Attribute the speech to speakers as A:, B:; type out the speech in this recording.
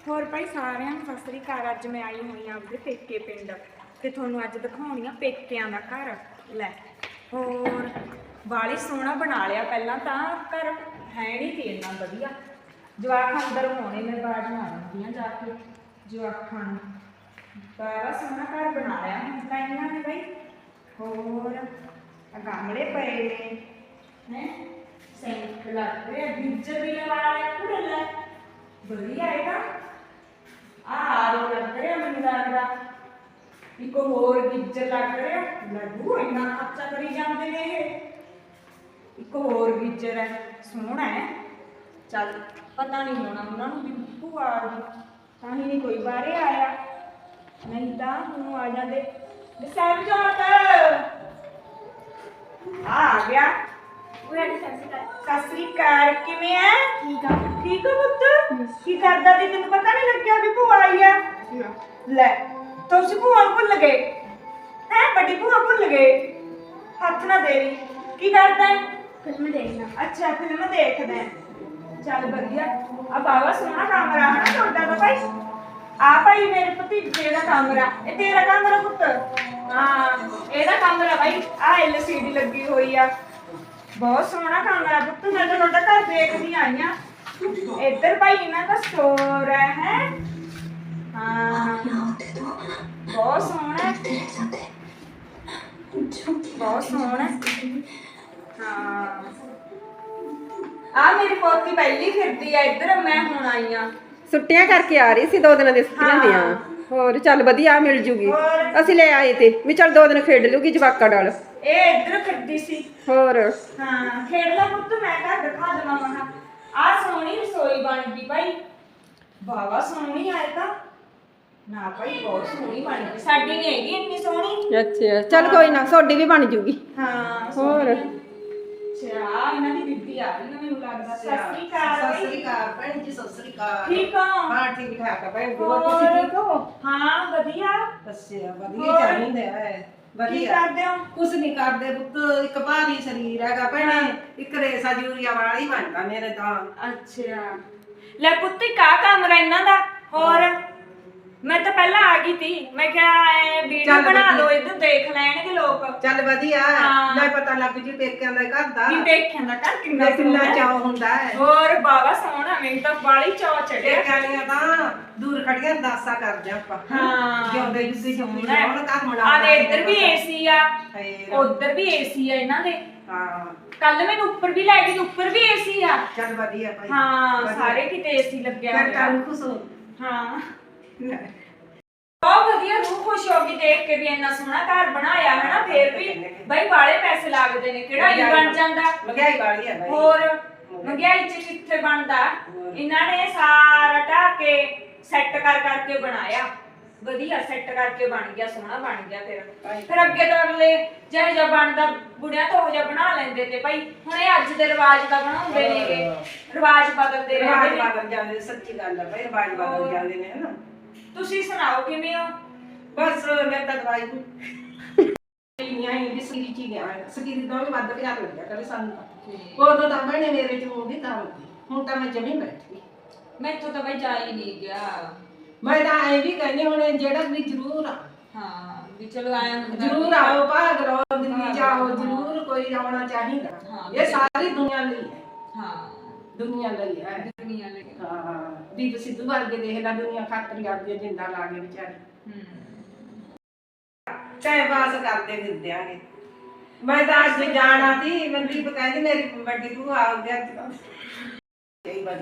A: ਹੋਰ ਭਾई ਸਾਰਿਆਂ ਨੂੰ ਸਤਿ ਸ੍ਰੀ ਅਕਾਲ। ਅੱਜ ਮੈਂ ਆਈ ਹੋਈ ਆਂ ਆਪਣੇ ਪੇਕੇ ਪਿੰਡ ਤੇ ਤੁਹਾਨੂੰ ਅੱਜ ਦਿਖਾਉਣੀ ਆ ਪੇਕਿਆਂ ਦਾ ਘਰ। ਲੈ ਹੋਰ ਬਾਲੀ ਸੋਹਣਾ ਬਣਾ ਲਿਆ। ਪਹਿਲਾਂ ਤਾਂ ਘਰ ਹੈ ਨਹੀਂ ਸੀ ਇੰਨਾ ਵਧੀਆ। ਜਵਾਕ ਅੰਦਰ ਹੋਣੇ, ਮੈਂ ਬਾਹਰ ਮਾਰਦੀ ਆ ਜਾ ਕੇ ਜਵਾਕਾਂ ਨੂੰ। ਬੜਾ ਸੋਹਣਾ ਘਰ ਬਣਾ ਲਿਆ ਹੁਣ ਤਾਂ ਇਹਨਾਂ ਨੇ ਬਈ। ਹੋਰ ਗਮਲੇ ਪਏ ਨੇ ਹੈ, ਸੈਂਕ ਲੱਗ ਰਿਹਾ, ਗੀਜ਼ਰ ਵੀ ਲਵਾ ਲਿਆ ਪੂਰਾ। ਵਧੀਆ ਹੈਗਾ। ਆਰੋ ਲੱਗ ਰਿਹਾ ਮੈਨੂੰ ਲੱਗਦਾ, ਇੱਕ ਹੋਰ ਗੀਜ਼ਰ ਲੱਗ ਰਿਹਾ। ਲੱਗੂ ਇੰਨਾ ਖਰਚਾ ਕਰੀ ਜਾਂਦੇ ਨੇ ਇਹ। ਇੱਕ ਹੋਰ ਗੀਜ਼ਰ ਹੈ, ਸੋਹਣਾ ਹੈ। ਚੱਲ ਪਤਾ ਨਹੀਂ ਹੋਣਾ ਉਹਨਾਂ ਨੂੰ ਵੀ ਭੂਆ ਆ ਗਈ ਤਾਂ ਹੀ ਨਹੀਂ ਕੋਈ ਬਾਹਰੇ ਆਇਆ, ਨਹੀਂ ਤਾਂ ਹੁਣ ਆ ਜਾਂਦੇ। ਸਾਹਿਬਜ਼ਾਦ ਆ ਗਿਆ। ਸਤਿ ਸ੍ਰੀ ਅਕਾਲ, ਕਿਵੇਂ ਹੈ? ਠੀਕ ਆ। ਠੀਕ ਆ ਪੁੱਤ, ਕੀ ਕਰਦਾ ਸੀ? ਤੈਨੂੰ ਪਤਾ ਨਹੀਂ ਲੱਗਿਆ ਵੀ ਭੂਆ ਆਈ ਆ? ਲੈ ਤੁਸੀਂ ਭੂਆ ਨੂੰ ਭੁੱਲ ਗਏ ਹੈ? ਵੱਡੀ ਭੂਆ ਭੁੱਲ ਗਏ? ਹੱਥ ਨਾ ਦੇਵੀ। ਕੀ ਕਰਦਾ ਹੈ?
B: ਫਿਲਮ ਦੇਖਣਾ।
A: ਅੱਛਾ ਫਿਲਮ ਦੇਖਦਾ ਹੈ। ਚੱਲ ਵਧੀਆ। ਆ ਬਾਬਾ ਸੋਹਣਾ ਕਮਰਾ ਹੈ ਨਾ ਤੁਹਾਡਾ ਤਾਂ ਭਾਈ। ਆ ਭਾਈ ਮੇਰੇ ਭਤੀਜੇ ਦਾ ਕਮਰਾ, ਇਹ ਤੇਰਾ ਕਮਰਾ ਪੁੱਤ? ਹਾਂ ਇਹਦਾ ਕਮਰਾ ਭਾਈ। ਆ LCD ਲੱਗੀ ਹੋਈ ਆ, ਬਹੁਤ ਸੋਹਣਾ ਕਮਰਾ ਪੁੱਤ। ਮੈਂ ਤਾਂ ਤੁਹਾਡਾ ਘਰ ਦੇਖਦੀ ਆਈ ਆ। ਇੱਧਰ ਭਾਈ ਇਹਨਾਂ ਦਾ ਸਟੋਰ ਹੈ। ਹਾਂ ਬਹੁਤ ਸੋਹਣਾ, ਬਹੁਤ ਸੋਹਣਾ। ਹਾਂ ਆ ਮੇਰੀ ਪੋਤੀ ਪਹਿਲੀ ਫਿਰਦੀ ਆ ਇੱਧਰ, ਮੈਂ ਹੁਣ ਆਈ ਆ।
C: ਛੁੱਟੀਆਂ ਕਰਕੇ ਆ ਰਹੀ ਸੀ, 2 ਦਿਨਾਂ ਦੀ ਛੁੱਟੀਆਂ ਦੀਆਂ। ਹੋਰ ਚੱਲ ਵਧੀਆ ਮਿਲ ਜੂਗੀ। ਅਸੀਂ ਲੈ ਆਏ ਤੇ ਵੀ ਚੱਲ 2 ਦਿਨ ਖੇਡ ਲੂਗੀ ਜਵਾਕਾਂ ਨਾਲ।
A: ਇਹ ਇੱਧਰ ਫਿਰਦੀ ਸੀ।
C: ਹੋਰ
A: ਹਾਂ ਖੇਡ ਲਾ ਪੁੱਤ, ਮੈਂ ਘਰ ਦਿਖਾ ਦੇਵਾਂ। ਮਹਾ ਆ ਸੋਹਣੀ ਰਸੋਈ ਬਣ ਗਈ ਭਾਈ, ਬਾਵਾ ਸੋਹਣੀ ਆਏ ਤਾਂ ਨਾ ਭਾਈ, ਬਹੁਤ ਸੋਹਣੀ ਬਣ ਗਈ। ਸਾਡੀ ਨਹੀਂ ਹੈਗੀ ਇੰਨੀ ਸੋਹਣੀ।
C: ਅੱਛਾ ਚੱਲ ਕੋਈ ਨਾ, ਤੁਹਾਡੀ ਵੀ ਬਣ ਜੂਗੀ।
A: ਹਾਂ
C: ਹੋਰ
A: ਅੱਛਾ ਇਹਨਾਂ ਦੀ ਬੀਬੀ ਆ ਗਈ ਨਾ ਮੈਨੂੰ ਲੱਗਦਾ। ਸਤਿ ਸ੍ਰੀ ਅਕਾਲ।
D: ਸਤਿ ਸ੍ਰੀ ਅਕਾਲ ਭੈਣ ਜੀ, ਸਤਿ ਸ੍ਰੀ ਅਕਾਲ।
A: ਠੀਕ ਹੋ?
D: ਹਾਂ ਠੀਕ ਠਾਕ ਆ ਭੈਣ ਜੀ।
A: ਹੋਰ
D: ਤੁਸੀਂ ਠੀਕ ਹੋ?
A: ਹਾਂ ਵਧੀਆ।
D: ਅੱਛਾ ਵਧੀਆ ਚਾਹੀਦਾ ਹੈ।
A: ਕੀ
D: ਵਧੀਆ
A: ਕਰਦੇ ਹੋ?
D: ਕੁਛ ਨਹੀਂ ਕਰਦੇ ਪੁੱਤ, ਇੱਕ ਭਾਰੀ ਸਰੀਰ ਹੈਗਾ ਭੈਣੇ, ਇੱਕ ਰੇਸਾ ਯੂਰੀਆ ਵਾਲਾ ਹੀ ਬਣਦਾ ਮੇਰੇ ਤਾਂ।
A: ਅੱਛਾ ਲੈ ਪੁੱਤ ਕਾ ਕਮਰਾ ਇਹਨਾਂ ਦਾ। ਹੋਰ ਮੈਂ ਤਾਂ ਪਹਿਲਾਂ ਆ ਗਈ ਤੀ, ਮੈਂ ਕਿਹਾ ਵੀਡੀਓ ਬਣਾ ਲਓ, ਇੱਧਰ ਦੇਖ ਲੈਣਗੇ ਲੋਕ।
D: ਚੱਲ ਵਧੀਆ,
A: ਹਾਂ।
D: ਲੈ ਪਤਾ ਲੱਗ ਜੂ ਪੇਕਿਆਂ ਦਾ ਘਰ ਦਾ।
A: ਕੀ ਦੇਖਿਆ ਦਾ ਘਰ ਕਿੰਨਾ
D: ਕਿੰਨਾ
A: ਸੋਹਣਾ।
D: ਚਾਅ ਹੁੰਦਾ ਹੈ।
A: ਹੋਰ ਬਾਬਾ ਸੋਹਣਾ, ਮੈਨੂੰ ਤਾਂ ਬਾਲੀ ਚਾਅ ਚੜਿਆ।
D: ਪੇਕਿਆਂ ਦੀਆਂ ਤਾਂ ਦੂਰ ਖੜੀਆਂ ਦਾਸਾਂ ਕਰਦੇ ਆਪਾਂ।
A: ਹਾਂ
D: ਜਿਉਂਦੇ ਜੁੱਤੀ ਜੁੱਤੀ
A: ਸੋਹਣਾ ਹੈ।
D: ਹੁਣ ਘਰ ਬਣਾ
A: ਆ ਦੇ ਇੱਧਰ ਵੀ ਏਸੀ ਆ,
D: ਫੇਰ।
A: ਉੱਧਰ ਵੀ ਏਸੀ ਆ ਇਹਨਾਂ ਦੇ।
D: ਹਾਂ
A: ਕੱਲ ਮੈਨੂੰ ਉੱਪਰ ਵੀ ਲੈ ਗਈ, ਉੱਪਰ ਵੀ ਏਸੀ ਆ।
D: ਚੱਲ ਵਧੀਆ ਭਾਈ।
A: ਹਾਂ
D: ਵਧੀਆ।
A: ਸਾਰੇ ਕਿਤੇ ਏਸੀ ਲੱਗਿਆ
D: ਫਿਰ
A: ਹੋਇਆ।
D: ਤਾਂ ਖੁਸ਼ ਹੋ।
A: ਹਾਂ ਬਹੁਤ ਵਧੀਆ, ਰੂਹ ਖੁਸ਼ ਹੋ ਗਈ ਦੇਖ ਕੇ ਵੀ ਇੰਨਾ ਸੋਹਣਾ ਘਰ ਬਣਾਇਆ ਹੈ ਨਾ। ਫੇਰ ਵੀ ਬਈ ਵਾਲੇ ਪੈਸੇ ਲੱਗਦੇ ਨੇ, ਕਿਹੜਾ ਹੀ ਬਣ ਜਾਂਦਾ।
D: ਮਹਿੰਗਾਈ ਵਾਲੀ ਹੈ ਭਾਈ।
A: ਹੋਰ ਮਹਿੰਗਾਈ ਚ ਕਿੱਥੇ ਬਣਦਾ। ਇਹਨਾਂ ਨੇ ਸਾਰਾ ਢਾਹ ਕੇ ਸੈੱਟ ਕਰ ਕਰਕੇ ਬਣਾਇਆ, ਵਧੀਆ ਸੈੱਟ ਕਰਕੇ ਬਣ ਗਿਆ, ਸੋਹਣਾ ਬਣ ਗਿਆ। ਫਿਰ ਅੱਗੇ ਤੋਂ ਅਗਲੇ ਜਿਹੋ ਜਿਹਾ ਬਣਦਾ ਬੁੜਿਆਂ ਤੋਂ ਉਹ ਜਿਹਾ ਬਣਾ ਲੈਂਦੇ ਤੇ ਭਾਈ। ਹੁਣ ਇਹ ਅੱਜ ਦੇ ਰਿਵਾਜ ਦਾ ਬਣਾਉਂਦੇ ਨੇਗੇ, ਰਿਵਾਜ ਬਦਲਦੇ
D: ਰਿਵਾਜ
A: ਰਹਿੰਦੇ ਨੇ।
D: ਬਦਲ ਜਾਂਦੇ, ਸੱਚੀ ਗੱਲ ਹੈ ਭਾਈ, ਰਿਵਾਜ ਬਦਲ ਜਾਂਦੇ ਨੇ ਹਨਾ।
A: ਤੁਸੀਂ ਸੁਣਾਓ ਕਿਵੇਂ ਹੋ?
D: ਬਸ ਮੈਂ ਤਾਂ ਦਵਾਈ ਨਹੀਂ ਆਈ ਵੀ ਸਰੀਰ ਚ ਗਿਆ, ਸਰੀਰ ਤੋਂ ਵੀ ਵੱਧ ਪਿਆਰ ਲੱਗਿਆ ਕਰੇ ਸਾਨੂੰ ਤਾਂ। ਉਦੋਂ ਤਾਂ ਮੈਨੇ ਮੇਰੇ ਚ ਮੂੰਹ ਤਾਂ ਹੁੰਦੀ, ਹੁਣ ਤਾਂ ਮੈਂ ਜਮੀ ਬੈਠੀ।
A: ਮੈਥੋਂ ਤਾਂ ਬਈ ਜਾ ਹੀ ਨਹੀਂ ਗਿਆ।
D: ਮੈਂ ਤਾਂ ਐ ਵੀ ਕਹਿੰਦੀ ਹੁਣ ਜਿਹੜਾ ਵੀ ਜ਼ਰੂਰ ਆ,
A: ਹਾਂ ਵੀ ਚਲੋ ਆਇਆ ਹੁੰਦਾ
D: ਜ਼ਰੂਰ ਆਓ, ਭਾਗ ਲਓ, ਦਿੱਲੀ ਜਾਓ, ਜ਼ਰੂਰ ਕੋਈ ਆਉਣਾ ਚਾਹੀਦਾ।
A: ਹਾਂ।
D: ਇਹ ਸਾਰੀ ਦੁਨੀਆ ਲਈ ਹੈ।
A: ਹਾਂ
D: ਦੁਨੀਆ ਲਈ ਹੈ।
A: ਦੁਨੀਆ ਲਈ।
D: ਹਾਂ ਦੀਪ ਸਿੱਧੂ ਵਰਗੇ ਦੇਖ ਲੈ, ਦੁਨੀਆ ਖਾਤਰ ਆਪਦੀਆਂ ਜਿੰਦਾ ਲਾ ਕੇ ਵਿਚਾਰੇ ਟਾਈਮ ਪਾਸ ਕਰਦੇ ਫਿਰਦੇ ਆਂਗੇ। ਮੈਂ ਤਾਂ ਅੱਜ ਜਾਣਾ ਸੀ, ਮਨਦੀਪ ਕਹਿੰਦੀ ਮੇਰੀ ਵੱਡੀ ਭੂਆ ਆ ਗਿਆ।